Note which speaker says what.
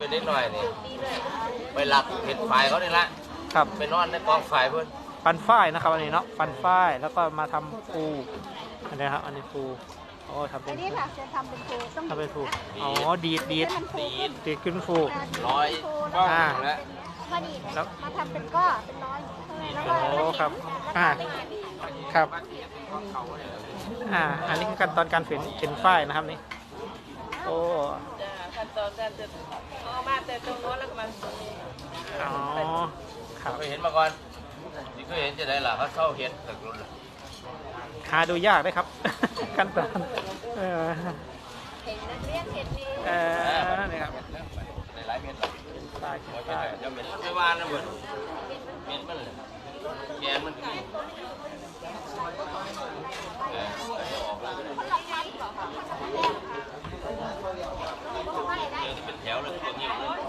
Speaker 1: เป็นนิดหน่อยนี่ไปหลับเห็ดไฟเขานี่ละ
Speaker 2: ครับ
Speaker 1: ไปนอนในกองไฟเพื่อน
Speaker 2: ปั้นฝ้ายนะครับอันนี้เนาะปั้นฝ้ายแล้วก็มาทำปูอันนี้ครับอันนี้ปูโอ้ทำเป็
Speaker 3: อั
Speaker 2: น
Speaker 3: นนี้ค่ะจะทำเป็นปูต้อง
Speaker 2: ทำเป็นปูอ๋อดีดขึ้นปู
Speaker 1: ร้อยก้องแล้ว
Speaker 3: มาดีแล้วมาทำเป็นก้อเป็นร้อยแล้วก็
Speaker 2: โอ้ครับครับอันนี้คือขั้นตอนการเข็นฝ้ายนะครับนี่โอ้
Speaker 4: ขั้นตอนการจะเอามาแต่ตรงโน้นแล้วก็มา
Speaker 2: อ๋อครับ
Speaker 1: เคยเห็นมาก่อนนี่เคยเห็นจะได้หรอเขาเช่าเห็ดตึกรุ่น
Speaker 2: หาดูยากได้ครับ ขั้นตอน
Speaker 3: เห็นนักเรียนเห็นนี่
Speaker 2: นี่ครับ
Speaker 1: ในหลายเม็ดหรอ
Speaker 2: ฝ้าย
Speaker 1: จะเม็ดไม่ว่านะเบิร์ดเม็ดมันเลยแกนมันกินเป็นแถวเลยตัวนี้เลย